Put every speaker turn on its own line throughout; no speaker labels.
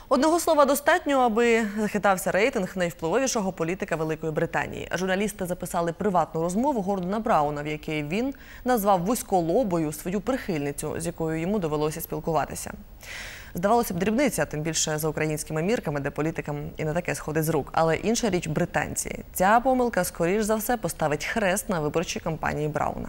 Одного слова достатньо, аби захитався рейтинг найвпливовішого політика Великої Британії. Журналісти записали приватну розмову Гордона Брауна, в якій він назвав вузьколобою свою прихильницю, з якою йому довелося спілкуватися. Здавалося б, дрібниця, тим більше за українськими мірками, де політикам і не таке сходить з рук. Але інша річ – британці. Ця помилка, скоріш за все, поставить хрест на виборчій кампанії Брауна.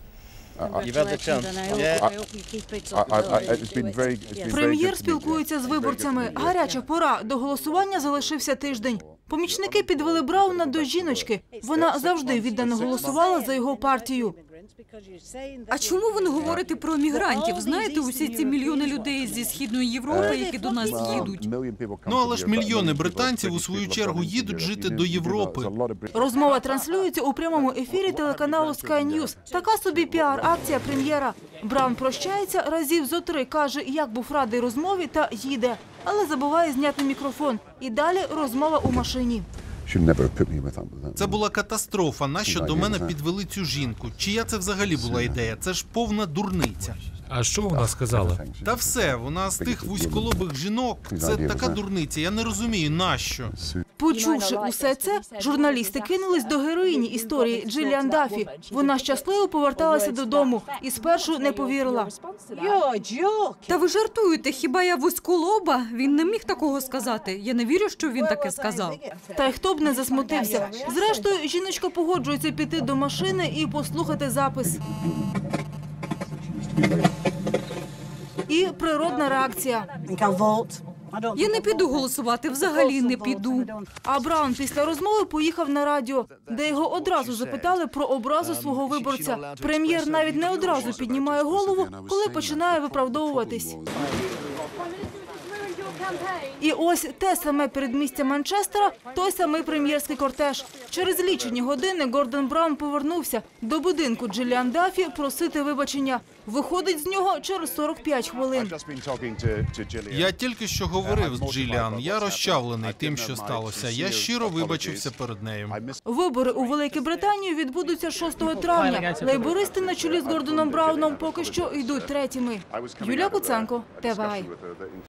Прем'єр спілкується з виборцями. Гаряча пора. До голосування залишився тиждень. Помічники підвели Брауна до жіночки. Вона завжди віддано голосувала за його партію.
А чому ви не говорите про мігрантів? Знаєте, усі ці мільйони людей зі Східної Європи, які до нас їдуть?
Ну, але ж мільйони британців у свою чергу їдуть жити до Європи.
Розмова транслюється у прямому ефірі телеканалу Sky News. Така собі піар-акція прем'єра. Браун прощається разів зо 3, каже, як був радий розмові та їде. Але забуває зняти мікрофон. І далі розмова у машині.
Це була катастрофа. Нащо до мене підвели цю жінку? Чия це взагалі була ідея? Це ж повна дурниця.
А що вона сказала?
Та все, вона з тих вузьколобих жінок. Це така дурниця, я не розумію, нащо.
Почувши усе це, журналісти кинулись до героїні історії Джиліан Даффі. Вона щасливо поверталася додому і спершу не повірила.
Та ви жартуєте, хіба я вузьколоба? Він не міг такого сказати. Я не вірю, що він таке сказав.
Та й хто б не засмутився. Зрештою, жіночка погоджується піти до машини і послухати запис. І природна реакція.
Я не піду голосувати, взагалі не піду.
А Браун після розмови поїхав на радіо, де його одразу запитали про образу свого виборця. Прем'єр навіть не одразу піднімає голову, коли починає виправдовуватись. І ось те саме передмістя Манчестера, той самий прем'єрський кортеж. Через лічені години Гордон Браун повернувся до будинку Джиліан Даффі просити вибачення. Виходить з нього через 45 хвилин.
Я тільки що говорив з Джиліан. Я розчавлений тим, що сталося. Я щиро вибачився перед нею.
Вибори у Великій Британії відбудуться 6 травня. Лейбористи на чолі з Гордоном Брауном поки що йдуть третіми. Юлія Куценко, ТВА.